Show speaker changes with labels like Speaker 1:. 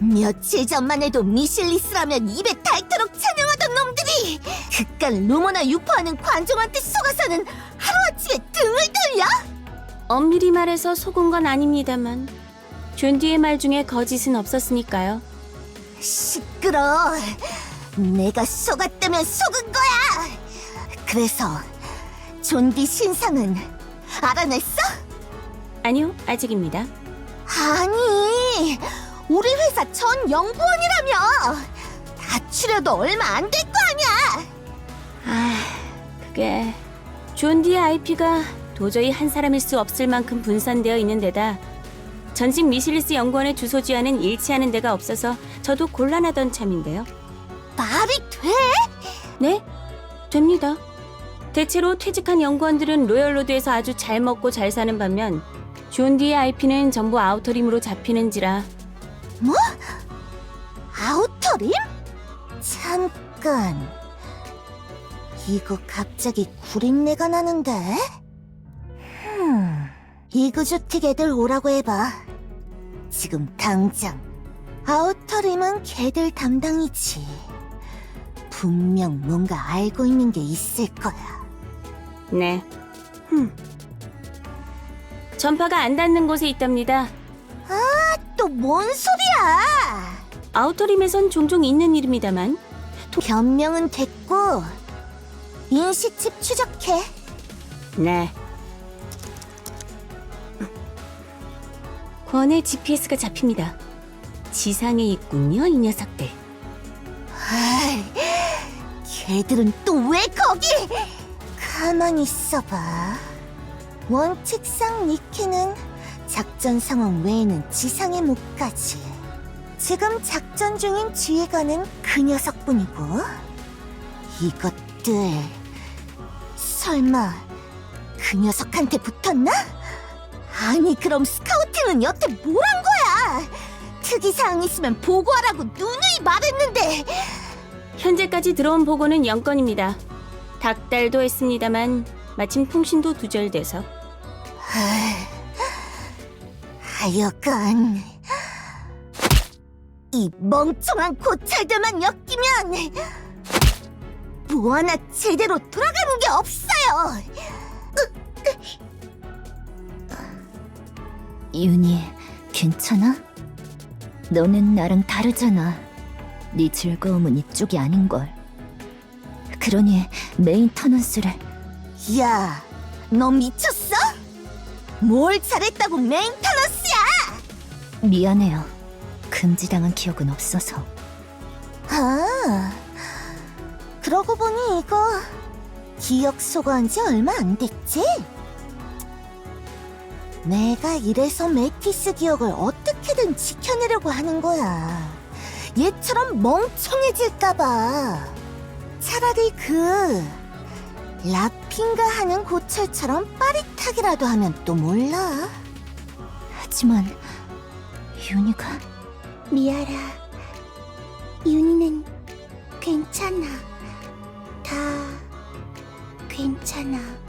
Speaker 1: 며칠 전만 해도 미실리스라면 입에 닳도록 찬양하던 놈들이 그깟 루머나 유포하는 관종한테 속아서는 하루아침에 등을 돌려?
Speaker 2: 엄밀히 말해서 속은 건 아닙니다만 존디의 말 중에 거짓은 없었으니까요.
Speaker 1: 시끄러. 내가 속았다면 속은 거야. 그래서 존디 신상은 알아냈어?
Speaker 2: 아니요, 아직입니다.
Speaker 1: 아니, 우리 회사 전 연구원이라며. 다 추려도 얼마 안 될 거 아니야.
Speaker 2: 그게 존디의 IP가 도저히 한 사람일 수 없을 만큼 분산되어 있는 데다 전직 미실리스 연구원의 주소지와는 일치하는 데가 없어서 저도 곤란하던 참인데요.
Speaker 1: 말이 돼?
Speaker 2: 네? 됩니다. 대체로 퇴직한 연구원들은 로열로드에서 아주 잘 먹고 잘 사는 반면 존디의 IP는 전부 아우터림으로 잡히는지라.
Speaker 1: 뭐? 아우터림? 잠깐. 이거 갑자기 구린내가 나는데? 이그조틱 애들 오라고 해봐. 지금 당장. 아우터림은 걔들 담당이지. 분명 뭔가 알고 있는 게 있을 거야.
Speaker 2: 네. 전파가 안 닿는 곳에 있답니다.
Speaker 1: 또 뭔 소리야?
Speaker 2: 아우터림에선 종종 있는 이름이다만
Speaker 1: 변명은 됐고 인식칩 추적해.
Speaker 2: 네. 권의 GPS가 잡힙니다. 지상에 있군요, 이 녀석들.
Speaker 1: 아이, 걔들은 또 왜 거기? 가만히 있어봐. 원칙상 니키는 작전 상황 외에는 지상에 못 가지. 지금 작전 중인 지휘관은 그 녀석뿐이고. 이것들 설마 그 녀석한테 붙었나? 아니 그럼 스카우팅은 여태 뭘 한 거야? 특이사항 있으면 보고하라고 누누이 말했는데.
Speaker 2: 현재까지 들어온 보고는 0건입니다. 닭달도 했습니다만 마침 통신도 두절돼서.
Speaker 1: 하여간 이 멍청한 고찰들만 엮이면 뭐 하나 제대로 돌아가는 게 없어요.
Speaker 3: 윤희, 괜찮아? 너는 나랑 다르잖아. 네 즐거움은 이쪽이 아닌걸. 그러니 메인터넌스를.
Speaker 1: 야, 너 미쳤어? 뭘 잘했다고 메인터넌스야?
Speaker 3: 미안해요. 금지당한 기억은 없어서.
Speaker 1: 아, 그러고 보니 이거 기억 소거한 지 얼마 안 됐지? 내가 이래서 메티스 기억을 어떻게든 지켜내려고 하는 거야. 얘처럼 멍청해질까봐. 차라리 그 라핀가 하는 고철처럼 빠릿하기라도 하면 또 몰라.
Speaker 3: 하지만 윤희가.
Speaker 1: 미아라, 윤희는 괜찮아. 다 괜찮아.